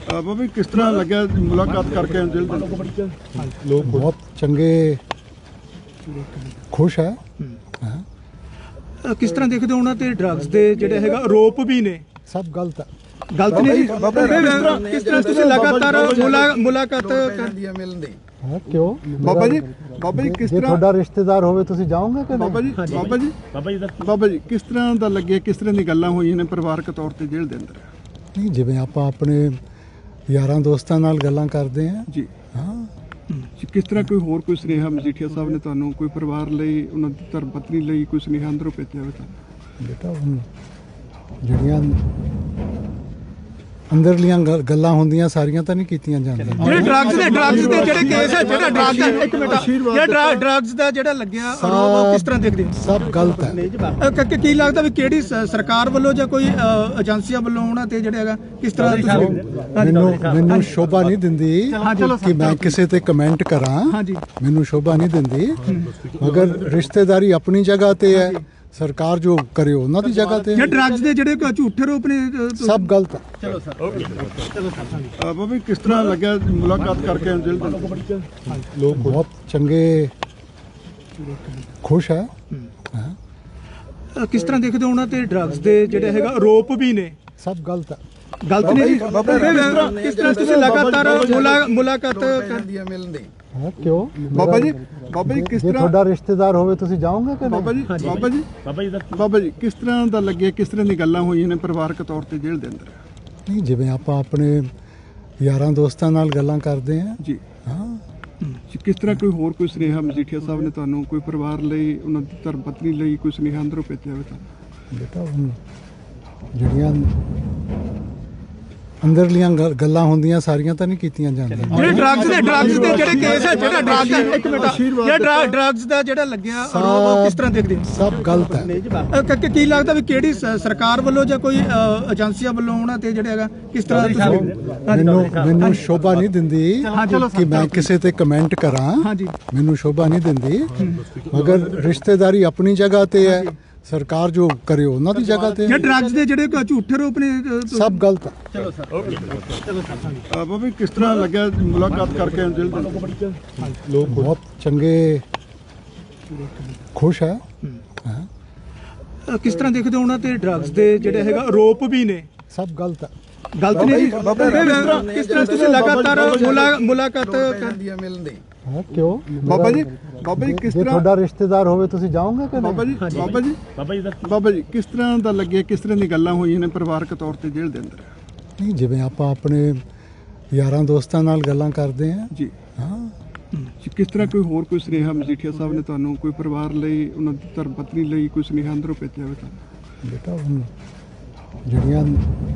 ਬਾਬਾ ਕਿਸ ਤਰ੍ਹਾਂ ਲੱਗਿਆ ਮੁਲਾਕਾਤ ਕਰਕੇ ਦਿਲ ਦੇ लोग बहुत चंगे खुश है। ਕਿਸ ਤਰ੍ਹਾਂ ਦੇਖਦੇ ਹੋ ਉਹਨਾਂ ਤੇ ਡਰੱਗਸ ਦੇ ਜਿਹੜੇ ਹੈਗਾ ਆਰੋਪ ਵੀ ਨੇ? सब गलत है। ਗਲਤ ਨਹੀਂ ਜੀ। ਕਿਸ ਤਰ੍ਹਾਂ ਤੁਸੀਂ ਲਗਾਤਾਰ ਮੁਲਾਕਾਤ हाँ, क्यों ਬਾਬਾ ਜੀ ਕਿਸ जे ਤਰ੍ਹਾਂ थोड़ा रिश्तेदार होवे तुसी जाओगे कि ਬਾਬਾ नहीं? ਜੀ ਕਿਸ ਤਰ੍ਹਾਂ ਦਾ ਲੱਗਿਆ, ਕਿਸ ਤਰ੍ਹਾਂ ਦੀ ਗੱਲਾਂ ਹੋਈਆਂ ਨੇ ਪਰਿਵਾਰਕ ਤੌਰ ਤੇ ਜੇਲ੍ਹ ਦੇ ਅੰਦਰ? नहीं जिवें आपां अपने यारां दोस्तां नाल गल्लां करदे हैं। ਜੀ हाँ ਕਿਸ ਤਰ੍ਹਾਂ ਕੋਈ ਹੋਰ ਕੋਈ ਸੁਨੇਹਾ ਮਜੀਠੀਆ ਸਾਹਿਬ ਨੇ ਤੁਹਾਨੂੰ ਕੋਈ ਪਰਿਵਾਰ ਲਈ, ਉਹਨਾਂ ਦੀ ਧਰਮ ਪਤਨੀ ਲਈ ਕੋਈ ਸੁਨੇਹਾ ਅੰਦਰੋਂ ਭੇਜਿਆ ਹੋਵੇ ਤੁਹਾਨੂੰ? बेटा हुण ਜਿਹੜੀਆਂ ਅੰਦਰਲੀਆਂ ਗੱਲਾਂ ਹੁੰਦੀਆਂ ਸਾਰੀਆਂ ਤਾਂ ਨਹੀਂ ਕੀਤੀਆਂ ਜਾਂਦੀਆਂ। ਜਿਹੜੇ ਡਰੱਗਸ ਦੇ ਜਿਹੜੇ ਕੇਸ ਹੈ, ਜਿਹੜਾ ਡਰੱਗ ਦਾ ਇੱਕ ਮਿੰਟ ਜਿਹੜਾ ਡਰੱਗਸ ਦਾ ਜਿਹੜਾ ਲੱਗਿਆ ਆਰੋਪ ਉਹ ਕਿਸ ਤਰ੍ਹਾਂ ਦੇਖਦੇ ਹੋ? ਸਭ ਗਲਤ ਹੈ। ਕੀ ਲੱਗਦਾ ਵੀ ਕਿਹੜੀ ਸਰਕਾਰ ਵੱਲੋਂ ਜਾਂ ਕੋਈ ਏਜੰਸੀਆਂ ਵੱਲੋਂ ਉਹਨਾਂ ਤੇ ਜਿਹੜਾ ਹੈਗਾ ਕਿਸ ਤਰ੍ਹਾਂ ਮੈਨੂੰ ਸ਼ੋਭਾ ਨਹੀਂ ਦਿੰਦੀ ਕਿ ਮੈਂ ਕਿਸੇ ਤੇ ਕਮੈਂਟ ਕਰਾਂ। ਹਾਂਜੀ ਮੈਨੂੰ ਸ਼ੋਭਾ ਨਹੀਂ ਦਿੰਦੀ, ਮਗਰ ਰਿਸ਼ਤੇਦਾਰੀ ਆਪਣੀ ਜਗ੍ਹਾ ਤੇ ਹੈ, ਸਰਕਾਰ ਜੋ ਕਰੇ ਉਹਨਾਂ ਦੀ ਜਗ੍ਹਾ ਤੇ। ਜੇ ਡਰੱਗਸ ਦੇ ਜਿਹੜੇ ਝੂਠੇ ਆਰੋਪ ਨੇ ਸਭ ਗਲਤ ਹੈ। ਬਾਬਾ ਕਿਸ ਤਰ੍ਹਾਂ ਲੱਗਿਆ ਮੁਲਾਕਾਤ ਕਰਕੇ ਦਿਲ ਦੇ ਲੋਕ ਬਹੁਤ ਚੰਗੇ ਖੁਸ਼ ਹੈ। ਕਿਸ ਤਰ੍ਹਾਂ ਦੇਖਦੇ ਹੋ ਉਹਨਾਂ ਤੇ ਡਰੱਗਸ ਦੇ ਜਿਹੜੇ ਹੈਗਾ ਆਰੋਪ ਵੀ ਨੇ? ਸਭ ਗਲਤ ਹੈ। ਗਲਤ ਨਹੀਂ ਜੀ। ਕਿਸ ਤਰ੍ਹਾਂ ਤੁਸੀਂ ਲਗਾਤਾਰ ਮੁਲਾਕਾਤ हाँ, क्यों ਬਾਬਾ ਜੀ ਕਿਸ जे ਤਰ੍ਹਾਂ थोड़ा रिश्तेदार होवे तुसी जाओगे कि ਬਾਬਾ नहीं? ਜੀ ਕਿਸ ਤਰ੍ਹਾਂ ਦਾ ਲੱਗਿਆ, ਕਿਸ ਤਰ੍ਹਾਂ ਦੀ ਗੱਲਾਂ ਹੋਈਆਂ ਨੇ ਪਰਿਵਾਰਕ ਤੌਰ ਤੇ ਜੇਲ੍ਹ ਦੇ ਅੰਦਰ? नहीं जिवें आपां अपने यारां दोस्तां नाल गल्लां करदे हैं। ਜੀ हाँ ਕਿਸ ਤਰ੍ਹਾਂ ਕੋਈ ਹੋਰ ਕੋਈ ਸੁਨੇਹਾ ਮਜੀਠੀਆ ਸਾਹਿਬ ਨੇ ਤੁਹਾਨੂੰ ਕੋਈ ਪਰਿਵਾਰ ਲਈ, ਉਹਨਾਂ ਦੀ ਧਰਮ ਪਤਨੀ ਲਈ ਕੋਈ ਸੁਨੇਹਾ ਅੰਦਰੋਂ ਭੇਜਿਆ ਹੋਵੇ ਤੁਹਾਨੂੰ? बेटा हुण ਜਿਹੜੀਆਂ ਅੰਦਰਲੀਆਂ ਗੱਲਾਂ ਹੁੰਦੀਆਂ ਸਾਰੀਆਂ ਤਾਂ ਨਹੀਂ ਕੀਤੀਆਂ ਜਾਂਦੀਆਂ। ਜਿਹੜੇ ਡਰੱਗਸ ਦੇ ਜਿਹੜੇ ਕੇਸ ਹੈ, ਜਿਹੜਾ ਡਰੱਗ ਦਾ ਇੱਕ ਮਿੰਟ ਜਿਹੜਾ ਡਰੱਗਸ ਦਾ ਜਿਹੜਾ ਲੱਗਿਆ ਆਰੋਪ ਉਹ ਕਿਸ ਤਰ੍ਹਾਂ ਦੇਖਦੇ ਹੋ? ਸਭ ਗਲਤ ਹੈ। ਕੀ ਲੱਗਦਾ ਵੀ ਕਿਹੜੀ ਸਰਕਾਰ ਵੱਲੋਂ ਜਾਂ ਕੋਈ ਏਜੰਸੀਆਂ ਵੱਲੋਂ ਉਹਨਾਂ ਤੇ ਜਿਹੜਾ ਹੈਗਾ ਕਿਸ ਤਰ੍ਹਾਂ ਮੈਨੂੰ ਸ਼ੋਭਾ ਨਹੀਂ ਦਿੰਦੀ ਕਿ ਮੈਂ ਕਿਸੇ ਤੇ ਕਮੈਂਟ ਕਰਾਂ। ਹਾਂਜੀ ਮੈਨੂੰ ਸ਼ੋਭਾ ਨਹੀਂ ਦਿੰਦੀ, ਮਗਰ ਰਿਸ਼ਤੇਦਾਰੀ ਆਪਣੀ ਜਗ੍ਹਾ ਤੇ ਹੈ, ਸਰਕਾਰ ਜੋ ਕਰੇ ਉਹਨਾਂ ਦੀ ਜਗ੍ਹਾ ਤੇ। ਜੇ ਡਰੱਗਸ ਦੇ ਜਿਹੜੇ ਝੂਠੇ ਆਰੋਪ ਨੇ ਸਭ ਗਲਤ ਹੈ। ਬਾਬਾ ਕਿਸ ਤਰ੍ਹਾਂ ਲੱਗਿਆ ਮੁਲਾਕਾਤ ਕਰਕੇ ਦਿਲ ਦੇ ਲੋਕ ਬਹੁਤ ਚੰਗੇ ਖੁਸ਼ ਹੈ। ਕਿਸ ਤਰ੍ਹਾਂ ਦੇਖਦੇ ਹੋ ਉਹਨਾਂ ਤੇ ਡਰੱਗਸ ਦੇ ਜਿਹੜੇ ਹੈਗਾ ਆਰੋਪ ਵੀ ਨੇ? ਸਭ ਗਲਤ ਹੈ। ਗਲਤ ਨਹੀਂ ਜੀ। ਕਿਸ ਤਰ੍ਹਾਂ ਤੁਸੀਂ ਲਗਾਤਾਰ ਮੁਲਾਕਾਤ हाँ, क्यों ਬਾਬਾ ਜੀ ਕਿਸ जे ਤਰ੍ਹਾਂ थोड़ा रिश्तेदार होवे तुसी जाओगे कि नहीं? ਬਾਬਾ ਜੀ ਕਿਸ ਤਰ੍ਹਾਂ ਦਾ ਲੱਗਿਆ, ਕਿਸ ਤਰ੍ਹਾਂ ਦੀ ਗੱਲਾਂ ਹੋਈਆਂ ਨੇ ਪਰਿਵਾਰਕ ਤੌਰ ਤੇ ਜੇਲ੍ਹ ਦੇ ਅੰਦਰ? नहीं जिवें आपां अपने यारां दोस्तां नाल गल्लां करदे हैं। ਜੀ हाँ ਕਿਸ ਤਰ੍ਹਾਂ ਕੋਈ ਹੋਰ ਕੋਈ ਸੁਨੇਹਾ ਮਜੀਠੀਆ ਸਾਹਿਬ ਨੇ ਤੁਹਾਨੂੰ ਕੋਈ ਪਰਿਵਾਰ ਲਈ, ਉਹਨਾਂ ਦੀ ਧਰਮ ਪਤਨੀ ਲਈ ਕੋਈ ਸੁਨੇਹਾ ਅੰਦਰੋਂ ਭੇਜਿਆ ਹੋਵੇ ਤੁਹਾਨੂੰ? बेटा हुण ਜਿਹੜੀਆਂ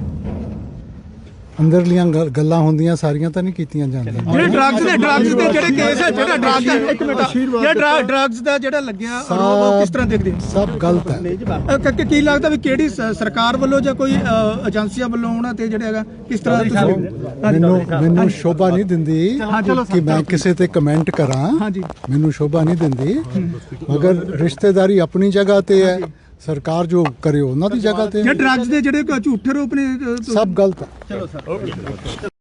ਅੰਦਰਲੀਆਂ ਗੱਲਾਂ ਹੁੰਦੀਆਂ ਸਾਰੀਆਂ ਤਾਂ ਨਹੀਂ ਕੀਤੀਆਂ ਜਾਂਦੀਆਂ। ਜਿਹੜੇ ਡਰੱਗਸ ਦੇ ਜਿਹੜੇ ਕੇਸ ਹੈ, ਜਿਹੜਾ ਡਰੱਗ ਦਾ ਇੱਕ ਮਿੰਟ ਜਿਹੜਾ ਡਰੱਗਸ ਦਾ ਜਿਹੜਾ ਲੱਗਿਆ ਆਰੋਪ ਉਹ ਕਿਸ ਤਰ੍ਹਾਂ ਦੇਖਦੇ ਹੋ? ਸਭ ਗਲਤ ਹੈ। ਕੀ ਲੱਗਦਾ ਵੀ ਕਿਹੜੀ ਸਰਕਾਰ ਵੱਲੋਂ ਜਾਂ ਕੋਈ ਏਜੰਸੀਆਂ ਵੱਲੋਂ ਉਹਨਾਂ ਤੇ ਜਿਹੜਾ ਹੈਗਾ ਕਿਸ ਤਰ੍ਹਾਂ ਮੈਨੂੰ ਸ਼ੋਭਾ ਨਹੀਂ ਦਿੰਦੀ ਕਿ ਮੈਂ ਕਿਸੇ ਤੇ ਕਮੈਂਟ ਕਰਾਂ। ਹਾਂਜੀ ਮੈਨੂੰ ਸ਼ੋਭਾ ਨਹੀਂ ਦਿੰਦੀ, ਮਗਰ ਰਿਸ਼ਤੇਦਾਰੀ ਆਪਣੀ ਜਗ੍ਹਾ ਤੇ ਹੈ, ਸਰਕਾਰ ਜੋ ਕਰੇ ਉਹਨਾਂ ਦੀ ਜਗ੍ਹਾ ਤੇ। ਜੇ ਡਰੱਗਸ ਦੇ ਜਿਹੜੇ ਝੂਠੇ ਆਰੋਪ ਨੇ ਸਭ ਗਲਤ ਹੈ।